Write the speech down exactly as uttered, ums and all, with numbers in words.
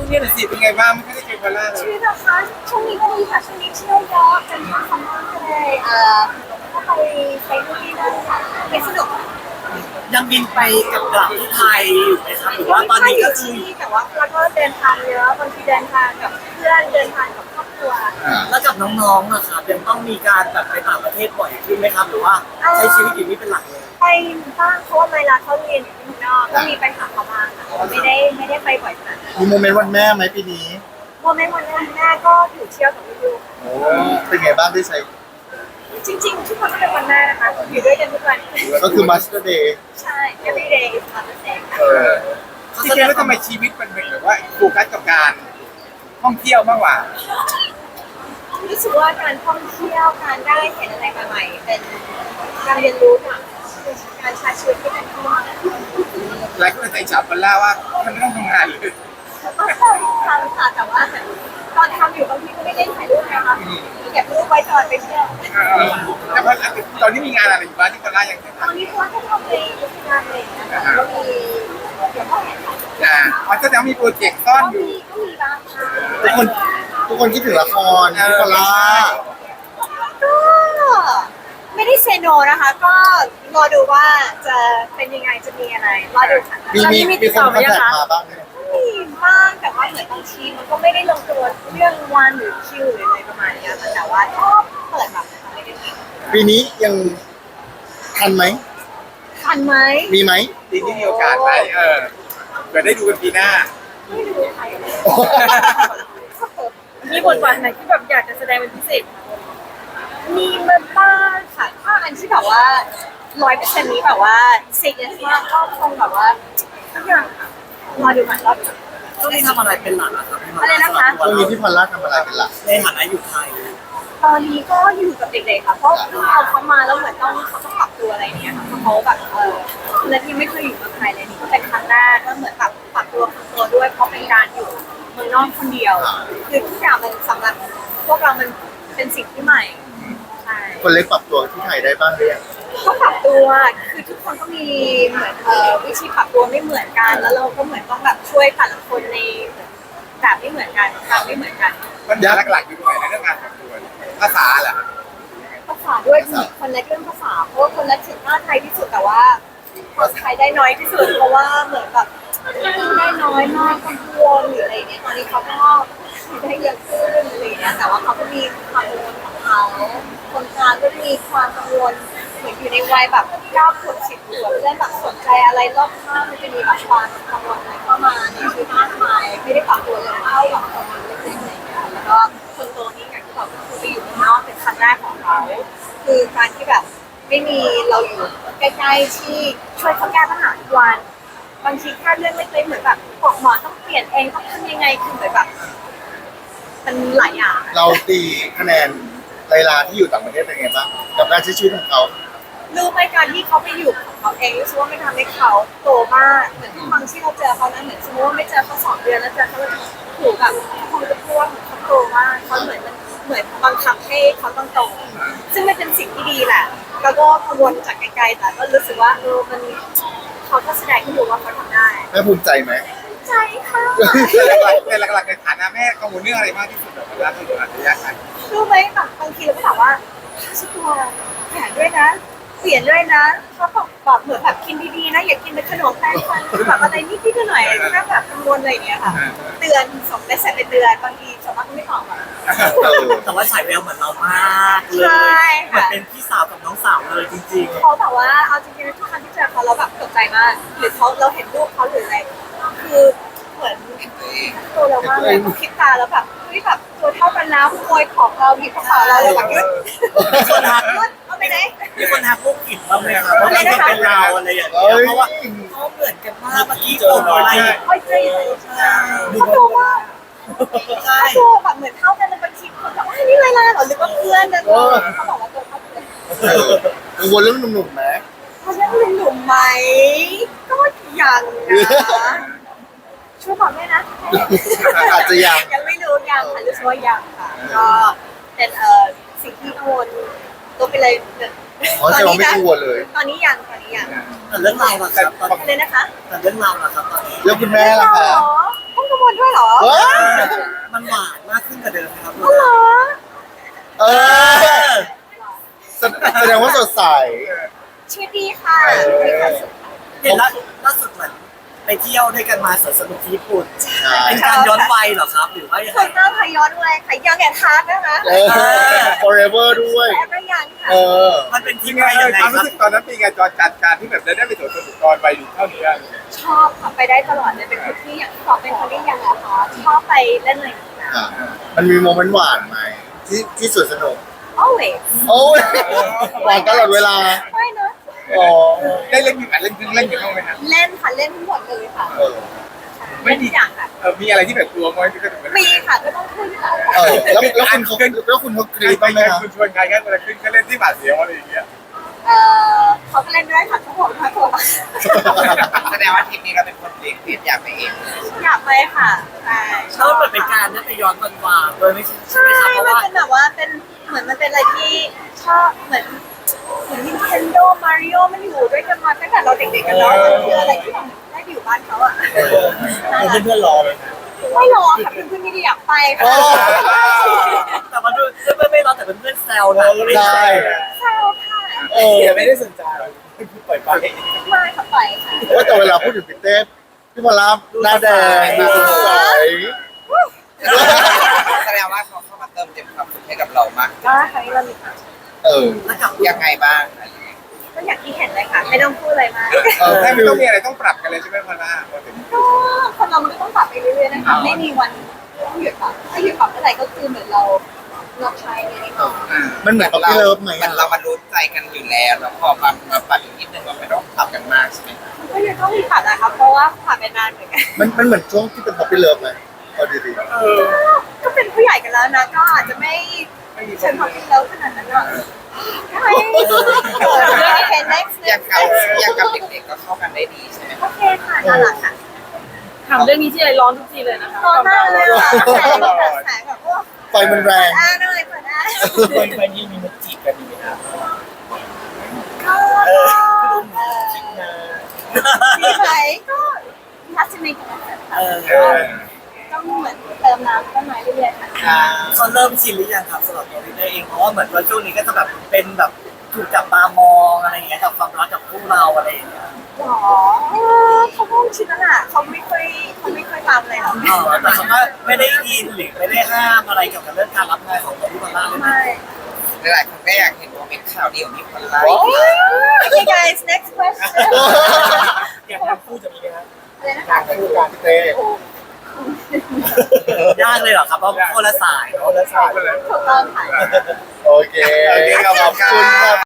นี้หน่อยสิเป็นไงบ้างไม่ได้เจอพอลล่าเลชียวิตนะคะช่วงนี้ก็ดีค่ะช่วงนี้เที่ยวเยอะจนทำคำมากเลยเอ่อก็ไปไปนู่นนี่นั่นค่ะไปสนุกยังบินไปกับกลับที่ไทยอยู่ไหมครับหรือว่าตอนนี้ก็คือที่แต่ว่าเราก็เดินทางเยอะบางทีเดินทางกับเพื่อนเดินทางกับครอบครัวแล้วกับน้องๆนะครับยังต้องมีการแบบไปต่างประเทศบ่อยขึ้นไหมครับหรือว่าใช้ชีวิตอยู่นี่เป็นหลักเลยไปบ้างเพราะว่าเวลาเขาเรียนอยู่ที่เมืองนอกก็มีไปหาเขาบ้างค่ะแต่ว่าไม่ได้ไม่ได้ไปบ่อยขนาดนั้นมีโมเมนต์วันแม่ไหมปีนี้โมเมนต์วันแรกแม่ก็อยู่เที่ยวกับลูกโอ้เป็นไงบ้างได้ใช้ๆจริงๆทุกคนก็เป็นวันแม่นะคะอยู่ด้วยกันทุกวันก็คือ Master Day ใช่ every day is Mother's Day ค่ะเออจริงๆแล้วทำไมชีวิตมันเป็นแบบว่าโฟกัสกับการท่องเที่ยวมากกว่ารู้สึกว่าการท่องเที่ยวการได้เห็นอะไรใหม่ๆเป็นการเรียนรู้ค่ะเป็นการใช้ชีวิตที่เป็นที่มากหลายคนใส่ฉาบพอลล่าว่าท่านไม่ต้องทำงานเลยทำค่ะแต่ว่าตอนทำอยู่บางทีก็ไม่ได้ถ่ายรูปนะคะเก็บรูปไว้ตอนไปเที่ยวเออแล้วพอตอนนี้มีงานอะไรอยู่บ้างที่พอลล่ายังตอนนี้เพราะว่าถ้าเราไปงานอะไรอย่างเงี้ยค่ะก็มีเดี๋ยวก็เห็นค่ะอ่าอ๋อแสดงว่ามีโปรเจกต์ซ่อนก็อยู่มีก็มีบ้างค่ะทุกคนทุกคนคิดถึงละครพี่พอลล่าก็ไม่ได้เซโนนะคะ ก็รอดูว่าจะเป็นยังไงจะมีอะไรรอดูค่ะมีมีมีคนคอนแทคมาบ้างไหมมีบ้างแต่ว่าเหมือนบางทีมันก็ไม่ได้ลงตัวเรื่องวันหรือคิวหรืออะไรประมาณเนี้ยค่ะแต่ว่าก็เปิดแบบไม่ได้มีปีนี้ยังทันไหมทันไหมมีไหมปีนี้มีโอกาสไหมเออเดี๋ยวได้ดูกันปีหน้าไม่รู้ใครเลยมีบทบาทไหนที่แบบอยากจะแสดงเป็นพิเศษมีมาบ้างค่ะถ้าอันที่แบบว่าร้อยเปอร์เซ็นต์นี้แบบว่าซีเรียสมากก็คงแบบว่าทุกอย่างค่ะรอดูก่อนรอดูก่อนช่วงนี้ทำอะไรเป็นหลักอะครับพี่มาอะไรนะคะช่วงนี้พี่พอลล่าทำอะไรเป็นหลักในฐานะอยู่ไทยตอนนี้ก็อยู่กับเด็กๆค่ะเพราะเพิ่งเอาเขามาแล้วเหมือนต้องเขาต้องปรับตัวอะไรอย่างเงี้ยค่ะเพราะเขาแบบเออและที่ไม่เคยอยู่เมืองไทยเลยนี่ก็เป็นครั้งแรกก็เหมือนแบบปรับตัวปรับตัวด้วยเพราะเป็นการอยู่เมืองนอกคนเดียวคือทุกอย่างมันสำหรับพวกเรามันเป็นสิ่งที่ใหม่ใช่คนเล็กปรับตัวที่ไทยได้บ้างหรือยังก็ปรับตัวคือทุกคนก็มีเหมือนเอ่อวิธีปรับตัวไม่เหมือนกัน แล้วเราก็เหมือนต้องแบบช่วยแต่ละคนในแบบไม่เหมือนกันทำไม่เหมือนกันปัญหาหลักๆอยู่ตรงไหนในเรื่องการปรับตัวภาษาเหรอภาษาด้วยมีคนเล็กเรื่องภาษาเพราะว่าคนเล็กถึงหน้าไทยที่สุดแต่ว่าคนไทยได้น้อยที่สุดเพราะว่าเหมือนแบบได้น้อยมากกังวลหรืออะไรเงี้ยตอนนี้เขาก็ได้เยอะขึ้นอะไรเงี้ยแต่ว่าเขาก็มีความกังวลของเขาคนกลางก็มีความกังวลเหมือนอยู่ในวัยแบบเก้าขวบสิบขวบเล่นแบบสนใจอะไรรอบข้างมันจะมีแบบความกังวลอะไรเข้ามาในชีวิตมากมายไม่ได้ปรับตัวเลยเท่ากับคนเล็กๆอะไรเงี้ยแล้วก็คนโตนี่อย่างที่บอกก็คือไปอยู่ข้างนอกเป็นครั้งแรกของเขาคือการที่แบบไม่มีเราอยู่ใกล้ๆที่ช่วยเขาแก้ปัญหาทุกวันบางทีแค่เรื่องเล็กๆเหมือนแบบบอกหมอต้องเปลี่ยนเองต้องทำยังไงคือเหมือนแบบมันหลายอย่างเราตีคะแนนไลลาที่อยู่ต่างประเทศเป็นไงบ้างกับการใช้ชีวิตของเขารู้ไหมการที่เขาไปอยู่ของเขาเองรู้สึกว่าไม่ทำให้เขาโตมากเหมือนทุกครั้งที่เราเจอเขานั้นเหมือนสมมติว่าไม่เจอเขาสองเดือนแล้วเจอเขาแล้วถูกแบบคงจะพูดว่าเขาโตมากเขาเหมือนมันเหมือนบังคับให้เขาต้องโตซึ่งมันเป็นสิ่งที่ดีแหละแล้วก็กังวลจากไกลๆแต่ก็รู้สึกว่าเออมันเขาก็แสดงให้ดูว่าเขาทำได้แม่ภูมิใจไหมใจค่ะแต่หลักๆในฐานะแม่กังวลเรื่องอะไรมากที่สุดแบบเวลาเราอยู่อัธยาศัยรู้ไหมแบบบางทีเราก็ถามว่าชุดตัวแขนด้วยนะเปลี่ยนด้วยนะเขาบอกแบบเหมือนแบบกินดีๆนะอย่ากินเป็นขนมแป้งฟันแบบอะไรนิดๆหน่อยๆก็แบบกังวลอะไรอย่างเงี้ยค่ะเตือนส่งได้เสร็จไปเตือนบางทีสมมติไม่ตอบอ่ะแต่ว่าฉายแววเหมือนเรามากเลใช่ยเหมือนค่ะเป็นพี่สาวกับน้องสาวเลยจริงเขาแบบว่าเอาจริงๆทุกครั้งที่เจอเขาเราแบบตกใจมากหรือเขาเราเห็นรูปเขาหรืออะไรคือเหมือนตัวเรามากเลยเขาคิดตาแล้วแบบเฮ้ยแบบตัวเท่ากันนะขโมยของเราหยิบกระเป๋าเราเลยแบบๆมีคนทักเอาไปไหนมีคนทักพวกกิจบ้างไหมครับว่าเป็นเป็นเราอะไรอย่างเงี้เอ้ยยเพราะว่าเขาเหมือนกันมากเมื่อกี้ผมอะไรโอ้ยใจเขาดูว่าใช่เขาดูแบบเหมือนเท่ากันเลยบางทีคนแบบว่านี่ไรล่ะเหรอหรือว่าเพื่อนนะเขาบอกว่าตัวเท่ากันกังวลเรื่องหนุ่มๆไหมเขาเรียกหนุ่มหนุ่มไหมก็ยังนะช่วยบอกด้วยนะอาจจะยังยังไม่รู้ยังค่ะรู้สึกว่ายังค่ะก็เป็นเอ่อสิ่งที่กังวลตัวไปเลยอ๋อแสดงว่าไม่กังวลเลยตอนนี้ยังตอนนี้ยังแต่เรื่องเราล่ะครับตอนอะไรนะคะแต่เรื่องเราล่ะครับตอนนี้แล้วคุณแม่ล่ะคะต้องกัข้างบนด้วยเหรอเฮ้ยมันหวานมากขึ้นกว่าเดิมนะครับอ๋อเหรอเออแสแสดงว่าสดใสชีวิตดีค่ะมีความสุขค่ะเห็นล่าล่าสุดเหมือนไปเที่ยวด้วยกันมาสวนสนุกที่ญี่ปุ่นใช่เป็นการย้อนวัยเหรอครับหรือว่ายังไงคนเริ่มพย้อนเลยค่ะยังแอนทาร์ดนะคะเออ forever ด้วยแอบระยังค่ะเออมันเป็นที่ยังไงไงยังไงความครัรู้บสึกตอนนั้นเป็นไงจอนจัดการที่แบบได้ไปสวนสนุกตอนไปอยู่เท่านี้ชอบค่ะไปได้ตลอดเลยเป็นคนที่อย่างที่บอกเป็นคนที่ยังอะค่ะชอบไปเล่นอะไรอย่างนี้นะอ่ะมันมีโมเมนต์หวานไหมที่ที่สวนสนุก always โอ้ยหวานตลอดเวลาไม่นะอ๋อได้เล่นอยู่กันเล่นเล่นอยู่บ้างไหมนะเล่นค่ะเล่นทั้งหมดเลยค่ะเออเล่นทุกอย่างค่ะเออมีอะไรที่แบบกลัวมั้ยที่ก็ถึงมีค่ะก็ต้องขึ้นค่ะเออแล้วแล้วคุณเขาแล้วคุณเขากรี๊ดไปบ้างไหมไงครับคุณชวนใครกันอะไรขึ้นก็เล่นที่บาดเสียวอะไรอย่างเงี้ยเออเขาก็เล่นด้วยค่ะทุกคนค่ะทุกคนแสดงว่าทริปนี้เราเป็นคนเลี้ยงเพียอยากไปเองอยากไปค่ะใช่ถ้ามันเปิดเป็นการได้ไปย้อนวันวานโดยไม่ใช่ใช่ใช่ไหมครับเพราะมันว่าเป็นแบบว่าเป็นเหมือนมันเป็นอะไรที่ชอบเหมือนเหมือน Nintendo Mario มันอยู่ด้วยกันมาตั้งแต่เราเด็กๆกันแล้วมันคืออะไรที่เราได้ไปอยู่บ้านเขาอะเพื่อนเพื่อนๆรอเลยนะไม่รอค่ะเพื่อนๆไม่ได้อยากไปโอ้ค่ะแต่มาดูเพื่อนไม่รอแต่เป็นเพื่อนแซวนะใช่เศร้าค่ะเออไม่ได้สนใจปล่อยไปไม่ค่ะไปค่ะว่าแต่เวลาพูดถึงพี่เต้พี่พลาหน้าแดงดูสดใสแสดงว่าเขาเข้ามาเติมเต็มความสุขให้กับเรามากก็ครั้งนี้เรามีความสุขเออแล้วกับยังไงบ้างก็อย่างที่เห็นเลยค่ะ ไม่ต้องพูดอะไรมากเออแค่ให้ไม่ดูต้องมีอะไรต้องปรับกันเลยใช่ไหมพอล่าพอถึงก็คนเรามันก็ต้องปรับไปเรื่อยๆนะคะไม่มีวันต้องหยุดปรับถ้าหยุดปรับเมื่อไหร่ก็คือเหมือนเราเราใช้ในนี้ก่อนมันเหมือนกับพี่เลิฟไหมมันเรามารู้ใจกันอยู่แล้วแล้วพอมามาปรับอีกนิดนึงเราไม่ต้องปรับกันมากใช่ไหมมันก็ยังต้องมีปรับนะครับเพราะว่าผ่านไปนานเหมือนกันมันมันเหมือนช่วงที่เป็นพับพี่เลิฟไหมเอาดีก็เป็นผู้ใหญ่กันแล้วนะก็อาจจะไม่เชิญความคิดแล้วขนาดนั้นหรอกใช่โอเค next อย่าง next กับอย่างกับเด็กๆก็เข้ากันได้ดีใช่ไหมโอเคค่ะน่ารักค่ะถามเรื่องนี้ที่ไรร้อนทุกทีเลยนะคะร้อนมากเลยอ่ะแสงแบบแสงแบบว่าๆไฟมันแรงอ่าหน่อยเปิดได้ไปนี่มีมุกจีบกันดีนะก็เออดีไหมก็ทัศนีกันนะคะเออต้องเหมือนเติมน้ำต้นไม้เรื่อยๆค่ะอ่าเขาเริ่มชินหรือยังครับสำหรับตัวพี่เต้เองเพราะว่าเหมือนว่าช่วงนี้ก็จะแบบเป็นแบบถูกจับตามองอะไรอย่างเงี้ยกับความรักกับคู่เราอะไรอย่างเงี้ยหรอเขาคงชินแล้วล่ะเขาไม่ค่อยเขาไม่ค่อยทำเลยหรอกอ๋อแต่เขาก็ไม่ได้อินหรือไม่ได้ห้ามอะไรเกี่ยวกับเรื่องการรับงานของตัวพี่บอลล่าเลยนะไม่หลายๆคนก็อยากเห็นโมเมนต์ข่าวดีของพี่พลไล Okay guys next question อยากทำคู่จะมีไหมครับอะไรนะอยาคะกคู่กันพี่เต้ยากเลยเหรอครับเพราะคนละสายคนละสายเลยถูกต้องค่ะโอเค ขอบคุณครับ